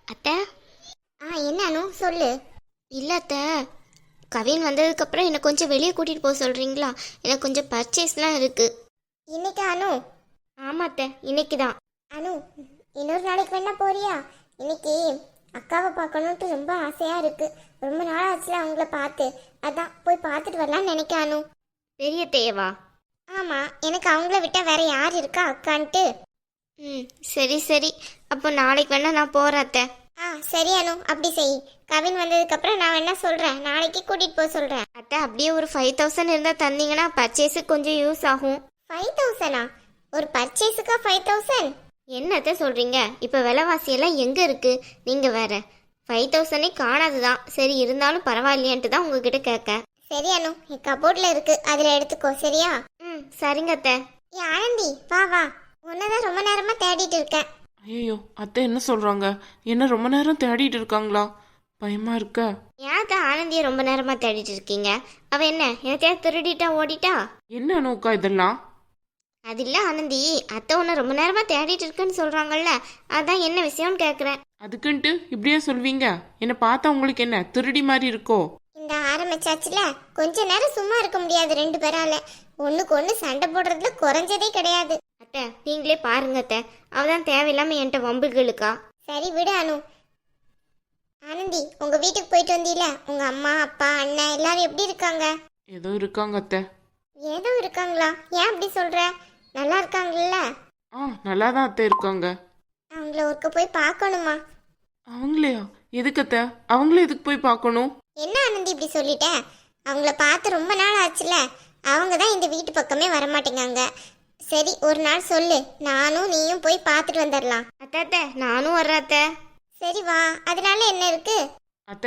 அத்தை. என்ன அனு சொல்லு. இல்லை அத்தை, கவின் வந்ததுக்கப்புறம் என்னை கொஞ்சம் வெளியே கூட்டிகிட்டு போக சொல்கிறீங்களா? எனக்கு கொஞ்சம் பர்ச்சேஸ்லாம் இருக்குது. இன்னைக்கு அனு? ஆமாம் அத்தை, இன்னைக்கு தான். அனு, இன்னொரு நாளைக்கு வேணா போறியா? இன்னைக்கு அக்காவை பார்க்கணுன்ட்டு ரொம்ப ஆசையாக இருக்கு. ரொம்ப நாள் ஆச்சுல அவங்கள பார்த்து, அதான் போய் பார்த்துட்டு வரலான்னு நினைக்க அனு. பெரிய தேவா? ஆமாம், எனக்கு அவங்கள விட்டால் வேற யார் இருக்கா அக்கான்ட்டு. சரி சரி, அப்போ நாளைக்கு வேணா நான் போகிறேன் அத்தை. சரி அனு, அப்படி செய். கவின் வந்ததுக்கப்புறம் நான் வேணா சொல்கிறேன், நாளைக்கு கூட்டிகிட்டு போக சொல்கிறேன். அத்தை, அப்படியே ஒரு 5000 இருந்தால் தந்தீங்கன்னா பர்ச்சேஸுக்கு கொஞ்சம் யூஸ் ஆகும். 5000? ஒரு பர்ச்சேஸுக்கா 5000? என்னத்தை சொல்கிறீங்க? இப்போ விலைவாசியெல்லாம் எங்கே இருக்குது? நீங்கள் வேற 5000 காணாதுதான். சரி, இருந்தாலும் பரவாயில்லையான்ட்டு தான் உங்ககிட்ட கேட்க. சரி அனு, என் கபோர்டில் இருக்கு, அதில் எடுத்துக்கோ. சரியா? சரிங்க அத்தை. ஆனந்தி, வா வா, உன்னதான் ரொம்ப நேரமாக தேடிட்டு இருக்கேன். ஐயோ, அத்தை என்ன சொல்றாங்க? என்ன ரொம்ப நேரம் தேடிட்டு இருக்காங்களா? பயமா இருக்க. ஏன் தான் ஆனந்தியை ரொம்ப நேரமா தேடிட்டு இருக்கீங்க? அவ என்ன எனத்தையா திருடிட்டா ஓடிட்டா? என்ன அனோக்கா இதெல்லாம்? அது இல்ல ஆனந்தி, அத்தை உன்னை ரொம்ப நேரமா தேடிட்டு இருக்குன்னு சொல்றாங்கல்ல, அதான் என்ன விஷயம்னு கேக்குறேன். அதுக்குன்ட்டு இப்படியே சொல்வீங்க? என்ன பார்த்தா உங்களுக்கு என்ன திருடி மாதிரி இருக்கோ? இந்த ஆரம்பிச்சாச்சுல, கொஞ்ச நேரம் சும்மா இருக்க முடியாது ரெண்டு பேரால. ஒண்ணுக்கு ஒண்ணு சண்டை போடுறதுல குறைஞ்சதே கிடையாது. அத்தை, நீங்களே பாருங்க அத்தை, அவதான் தேவையில்லாம என்கிட்ட வம்புகளுக்கா. சரி விடு அனு. ஆனந்தி, உங்க வீட்டுக்கு போயிட்டு வந்தீல, உங்க அம்மா அப்பா அண்ணன் எல்லாரும் எப்படி இருக்காங்க? ஏதோ இருக்காங்க அத்தை. ஏதோ இருக்காங்களா? ஏன் அப்படி சொல்ற? நல்லா இருக்காங்கல்ல? நல்லா தான் அத்தை இருக்காங்க. அவங்கள ஒருக்க போய் பார்க்கணுமா? அவங்களையா? எதுக்கு அத்தை? அவங்களே எதுக்கு போய் பார்க்கணும்? என்ன ஆனந்தி இப்படி சொல்லிட்ட? அவங்கள பார்த்து ரொம்ப நாள் ஆச்சுல, அவங்க தான் இந்த வீட்டு பக்கமே வரமாட்டேங்காங்க. சரி, ஒரு நாள் சொல்லு, நானும் நீயும் போய் பார்த்துட்டு வந்துடலாம். அத்தை அத்தை, நானும் வர்றேன் அத்தை. சரி வா, அதனால என்ன இருக்கு? அத்தை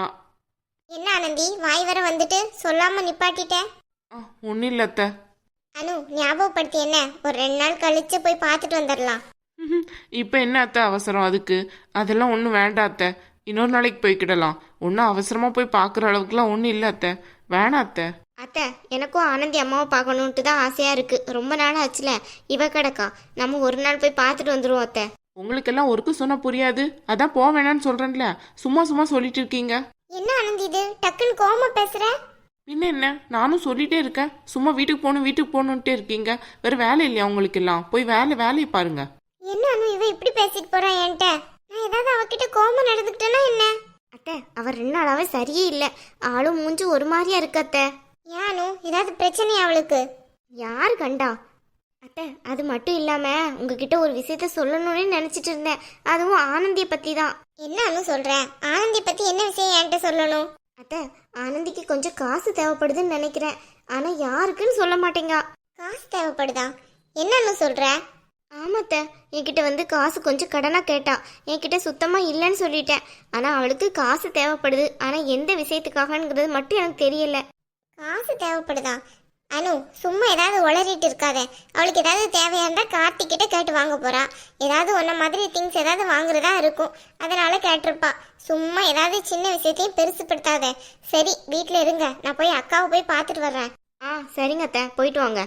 என்ன ஆனந்தி, வாய் வர வந்துட்டு சொல்லாம நிப்பாட்டிட்ட? ஒன்றும் இல்லை அத்தை. அனு, ஞாபகப்படுத்தி என்ன, ஒரு 2 நாள் கழிச்சு போய் பார்த்துட்டு வந்துடலாம். இப்போ என்ன அத்தை அவசரம் அதுக்கு? அதெல்லாம் ஒன்றும் வேண்டாம் அத்தை, இன்னொரு நாளைக்கு போய்க்கிடலாம். ஒன்றும் அவசரமாக போய் பார்க்குற அளவுக்குலாம் ஒன்றும் இல்லை அத்தை, வேணாம் அத்தை. அத்தை, எனக்கும் ஆனந்தி அம்மாவை பார்க்கணுன்ட்டு தான் ஆசையா இருக்கு. ரொம்ப நாள் ஆச்சுல, இவ கிடக்கா. நம்ம ஒரு நாள் போய் பார்த்துட்டு வந்துருவோம் அத்தை. உங்களுக்கெல்லாம் ஒருக்கு சொன்னா புரியாது, அதான் போக வேணான்னு சொல்றேன்ல, சும்மா சும்மா சொல்லிட்டு இருக்கீங்க. என்ன ஆனந்தி இது, டக்குன்னு கோவமா பேசுற? பின்ன என்ன, நானும் சொல்லிட்டே இருக்கேன், சும்மா வீட்டுக்கு போகணுன்ட்டே இருக்கீங்க. வேற வேலை இல்லையா உங்களுக்கு எல்லாம்? போய் வேலையை பாருங்க. என்ன அனு, இவ இப்படி பேசிட்டு போறா என்கிட்ட? நான் ஏதாவது அவகிட்ட கோவமா நடந்துக்கிட்டேன்னா என்ன? அத்தை, அவர் 2 நாளாவே சரியே இல்லை. ஆளும் மூஞ்சி ஒரு மாதிரியா இருக்கு அத்தை. ஏனு, ஏதாவது பிரச்சனையா அவளுக்கு? யார் கண்டா? அத்தை, அது மட்டும் இல்லாம உங்ககிட்ட ஒரு விஷயத்த சொல்லணும்னு நினைச்சிட்டு இருந்தேன். அதுவும் ஆனந்தியை பத்தி தான். என்ன அனு சொல்ற? ஆனந்தி பத்தி என்ன விஷயம் என்கிட்ட சொல்லணும்? அத்தை, ஆனந்திக்கு கொஞ்சம் காசு தேவைப்படுதுன்னு நினைக்கிறேன். ஆனா யாருக்குன்னு சொல்ல மாட்டேங்க. காசு தேவைப்படுதா? என்னன்னு சொல்ற? ஆமாத்த, என்கிட்ட வந்து காசு கொஞ்சம் கடனா கேட்டா. என்கிட்ட சுத்தமா இல்லைன்னு சொல்லிட்டேன். ஆனா அவளுக்கு காசு தேவைப்படுது. ஆனா எந்த விஷயத்துக்காகங்கிறது மட்டும் எனக்கு தெரியல. காசு தேவைப்படுதா? அனு, சும்மா ஏதாவது உளறிட்டு இருக்காத. அவளுக்கு ஏதாவது தேவையா இருந்தா கார்த்திக்கிட்ட கேட்டு வாங்க போறா. ஏதாவது ஒன்ன மாதிரி திங்ஸ் ஏதாவது வாங்குறதா இருக்கும், அதனால கேட்டிருப்பா. சும்மா ஏதாவது சின்ன விஷயத்தையும் பெருசுப்படுத்தாத. சரி, வீட்டுல இருங்க, நான் போய் அக்காவை போய் பார்த்துட்டு வர்றேன். சரிங்க அத்தை, போயிட்டு வாங்க.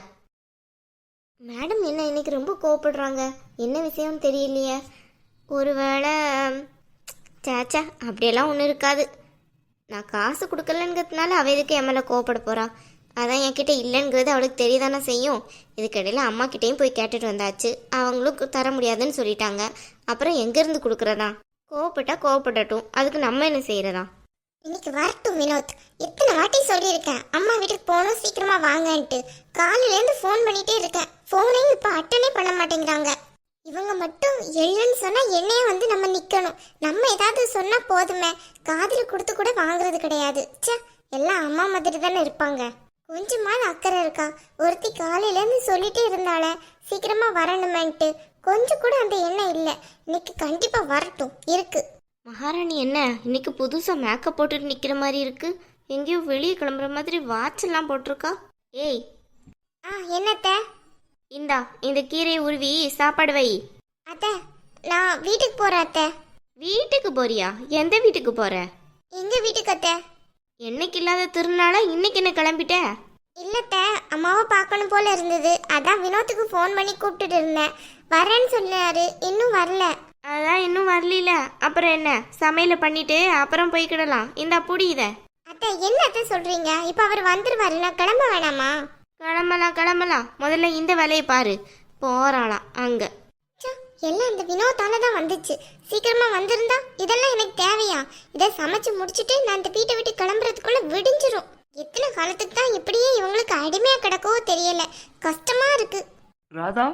மேடம் என்ன இன்னைக்கு ரொம்ப கோவப்படுறாங்க? என்ன விஷயம்னு தெரியலையே. ஒருவேளை சேச்சா அப்படியெல்லாம் ஒன்றும் இருக்காது. நான் காசு கொடுக்கலங்கிறதுனால அவள் எதுக்கு என் மேலே கோவப்பட போறா? அதான் என்கிட்ட இல்லைங்கிறது அவளுக்கு தெரியதானே செய்யும். இதுக்கிடையில் அம்மா கிட்டேயும் போய் கேட்டுட்டு வந்தாச்சு. அவங்களும் தர முடியாதுன்னு சொல்லிட்டாங்க. அப்புறம் எங்கேருந்து கொடுக்குறதா? கோவப்பட்டா கோவப்படட்டும், அதுக்கு நம்ம என்ன செய்யறதா? இன்னைக்கு வரட்டும் வினோத். எத்தனை வாட்டி சொல்லியிருக்கேன் அம்மா வீட்டுக்கு போகணும், சீக்கிரமா வாங்கன்ட்டு. காலையிலேருந்து ஃபோன் பண்ணிட்டே இருக்கேன், ஃபோனையும் இப்போ அட்டனே பண்ண மாட்டேங்கிறாங்க. இவங்க மட்டும் எழுன்னு சொன்னா என்னையே வந்து நம்ம நிக்கணும். நம்ம ஏதாவது சொன்னா போதுமே, காதில் கொடுத்து கூட வாங்குறது கிடையாது. ச்சே, எல்லாம் அம்மா மாதிரி தானே இருப்பாங்க. கொஞ்சமாவது அக்கறை இருக்கா? ஒருத்தி காலையிலேருந்து சொல்லிட்டே இருந்தாலே சீக்கிரமா வரணுமேன்ட்டு, கொஞ்சம் கூட அந்த எண்ணம் இல்லை. இன்னைக்கு கண்டிப்பா வரட்டும் இருக்கு. மகாராணி என்ன இன்னைக்கு புதுசாக மேக்கப் போட்டுட்டு நிற்கிற மாதிரி இருக்கு? எங்கேயோ வெளியே கிளம்புற மாதிரி வாட்செல்லாம் போட்டிருக்கா. ஏய், என்னத்த? இந்தா, இந்த கீரையை உருவி சாப்பாடு வை. அத்தை, நான் வீட்டுக்கு போறேன் அத்தை. வீட்டுக்கு போறியா? எந்த வீட்டுக்கு போற? எங்க வீட்டுக்கு அத்தை. என்னைக்கு இல்லாத திருநாளா இன்னைக்கு என்ன கிளம்பிட்ட? இல்லத்த, அம்மாவை பார்க்கணும் போல இருந்தது, அதான் வினோத்துக்கு ஃபோன் பண்ணி கூப்பிட்டுட்டு இருந்தேன். வரேன்னு சொன்னாரு, இன்னும் வரல. அதான் இன்னும் வரல. அப்புறம் என்ன, சமையலை பண்ணிட்டு அப்புறம் போய்க்கிடலாம். இந்தா புடி இதை. அத்தை என்ன அத்தை சொல்றீங்க? இப்ப அவர் வந்துருவாரு, நான் கிளம்ப வேணாமா? கிளம்பலாம். முதல்ல இந்த வேலையை பாரு. போறாளாம் அங்க. ச்சே, எல்லாம் இந்த வினோத்தால தான் வந்துச்சு. சீக்கிரமா வந்திருந்தா இதெல்லாம் எனக்கு தேவையா? இதை சமைச்சு முடிச்சிட்டு நான் இந்த வீட்டை விட்டு கிளம்புறதுக்குள்ள விடிஞ்சிரும். எத்தனை காலத்துக்கு தான் இப்படியே இவங்களுக்கு அடிமையா கிடக்கவோ தெரியல. கஷ்டமா இருக்கு. ராதா,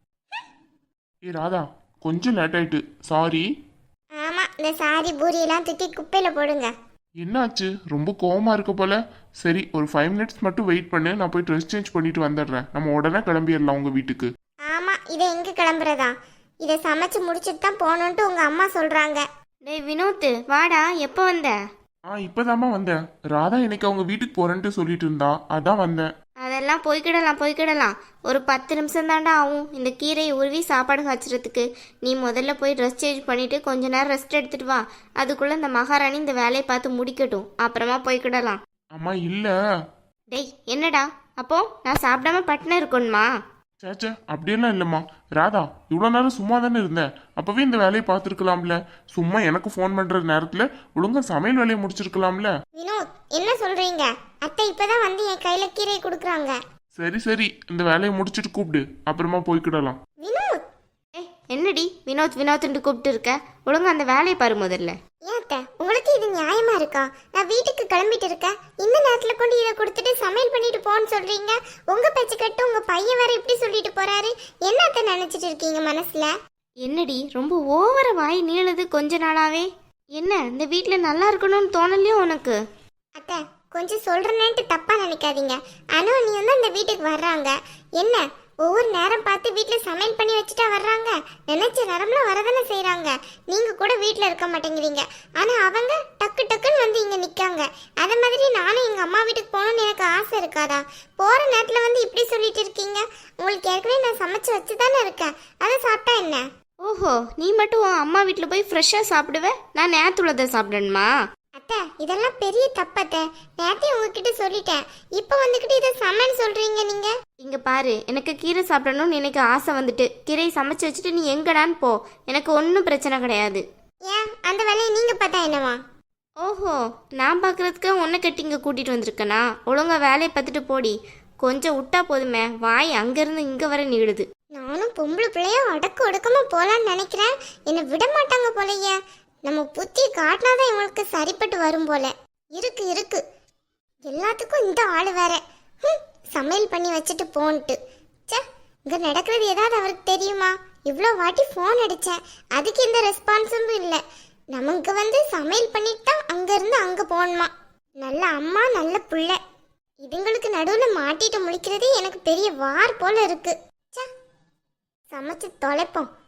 ராதா, கொஞ்சம் லேட் ஆயிட்டு, சாரி. ஆமா, இந்த சாரி பூரி எல்லாம் தூக்கி குப்பையில போடுங்க. என்னாச்சு, ரொம்ப கோவமா இருக்க போல. சரி, ஒரு 5 மினிட்ஸ் மட்டும் வெயிட் பண்ணு, நான் போய் ட்ரெஸ் சேஞ்ச் பண்ணிட்டு வந்துடுறேன். நம்ம உடனே கிளம்பிடலாம் உங்க வீட்டுக்கு. ஆமா, இதை எங்க கிளம்புறதா? இதை சமைச்சு முடிச்சிட்டு தான் போகணுன்ட்டு உங்க அம்மா சொல்றாங்க. டேய் வினோத், வாடா. எப்போ வந்த? இப்பதாம்மா வந்தேன். ராதா இன்னைக்கு அவங்க வீட்டுக்கு போறேன்ட்டு சொல்லிட்டு இருந்தா, அதான் வந்தேன். அதெல்லாம் போய்க்கிடலாம். ஒரு 10 நிமிஷம் தாண்டா ஆகும் இந்த கீரையை உருவி சாப்பாடு காய்ச்சறதுக்கு. நீ முதல்ல போய் ட்ரெஸ் சேஞ்ச் பண்ணிட்டு கொஞ்ச நேரம் ரெஸ்ட் எடுத்துட்டு வா. அதுக்குள்ள இந்த மகாராணி இந்த வேலையை பார்த்து முடிக்கட்டும். அப்புறமா போய்க்கிடலாம். அம்மா இல்ல. டேய் என்னடா, அப்போ நான் சாப்பிடாம பட்டின இருக்கணுமா? சேச்சே, அப்படியெல்லாம் இல்லம்மா. ராதா, இவ்வளோ நேரம் சும்மா தானே இருந்தேன். அப்பவே இந்த வேலையை பார்த்துருக்கலாம்ல. சும்மா எனக்கு ஃபோன் பண்ற நேரத்துல ஒழுங்கா சமையல் வேலையை முடிச்சிருக்கலாம்ல. வினோத், என்ன சொல்றீங்க? அத்தை இப்பதான் வந்து என் கையில கீரை கொடுக்குறாங்க. சரி, இந்த வேலையை முடிச்சிட்டு கூப்பிடு, அப்புறமா போய்க்கிடலாம். வினோத், என்னடி வினோத்ன்னு கூப்பிட்டு இருக்க? ஒழுங்கா அந்த வேலையை பாரு முதல்ல. ஏன் அத்தை, உங்களுக்கு இது நியாயமா இருக்கா? நான் வீட்டுக்கு கிளம்பிட்டு இருக்கேன். இந்த நேரத்துல கொண்டு இதை கொடுத்துட்டு சமையல் பண்ணிட்டு போன்னு சொல்றீங்க. உங்க பேச்சு கட்டு உங்க பையன் வேற இப்படி சொல்லிட்டு போறாரு. என்ன அத்தை நினைச்சிட்டு இருக்கீங்க மனசுல? என்னடி ரொம்ப ஓவர வாய் நீளுது கொஞ்ச நாளாவே? என்ன இந்த வீட்ல நல்லா இருக்கணும்னு தோணலையோ உனக்கு? அத்தை, கொஞ்சம் சொல்றேன்ட்டு தப்பா நினைக்காதீங்க. ஆனா நீ வந்து இந்த வீட்டுக்கு வர்றாங்க. என்ன ஒவ்வொரு நேரம் பார்த்து வீட்டுல சமையல் பண்ணி வச்சுட்டா வர்றாங்க? நினைச்ச நேரம்ல வரதானே செய்யறாங்க. நீங்க கூட வீட்டுல இருக்க மாட்டேங்கிறீங்க. ஆனா அவங்க டக்கு டக்குன்னு வந்து இங்க நிக்காங்க. அதே மாதிரி நானும் எங்க அம்மா வீட்டுக்கு போகணும்னு எனக்கு ஆசை இருக்காதா? போற நேரத்துல வந்து இப்படி சொல்லிட்டு இருக்கீங்க. உங்களுக்கு ஏற்கனவே நான் சமைச்சு வச்சுதானே இருக்கேன். அதை சாப்பிட்டா என்ன? ஓஹோ, நீ மட்டும் உன் அம்மா வீட்டில் போய் ஃப்ரெஷ்ஷாக சாப்பிடுவ, நான் நேற்றுள்ளதை சாப்பிடணுமா? அத்தை, இதெல்லாம் பெரிய தப்பத்தை. நேத்தே உங்ககிட்ட சொல்லிட்டேன். இப்போ வந்துக்கிட்டு இதை சமையல் சொல்றீங்க நீங்க. இங்க பாரு, எனக்கு கீரை சாப்பிடணும்னு எனக்கு ஆசை வந்துட்டு கீரையை சமைச்சு வச்சுட்டு நீ எங்கடான்னு போ. எனக்கு ஒன்றும் பிரச்சனை கிடையாது. ஏன் அந்த வேலையை நீங்க பார்த்தா என்னவா? ஓஹோ, நான் பார்க்கறதுக்கு உன்னை கட்டி இங்கே கூட்டிகிட்டு வந்திருக்கேனா? ஒழுங்கா வேலையை பார்த்துட்டு போடி. கொஞ்சம் விட்டா போதுமே, வாய் அங்கேருந்து இங்கே வர நீடுது. நானும் பொம்பளை பிள்ளைய அடக்கு ஒடுக்கமா போலான்னு நினைக்கிறேன். என்னை விட மாட்டாங்க போலயே. நம்ம புத்தி காட்டினாதான் இவங்களுக்கு சரிப்பட்டு வரும் போல. இருக்கு எல்லாத்துக்கும் இந்த ஆள் வேற. சமையல் பண்ணி வச்சுட்டு போன்ட்டு. சே, இங்க நடக்கிறது ஏதாவது அவருக்கு தெரியுமா? இவ்வளோ வாட்டி ஃபோன் அடிச்சேன், அதுக்கு எந்த ரெஸ்பான்ஸும் இல்லை. நமக்கு வந்து சமையல் பண்ணிட்டு தான் அங்கேருந்து அங்கே போகணுமா. நல்ல அம்மா, நல்ல பிள்ளை. இதுங்களுக்கு நடுவில் மாட்டிட்டு முழிக்கிறதே எனக்கு பெரிய வார் போல இருக்கு. சமைச்சு தொலைப்போம்.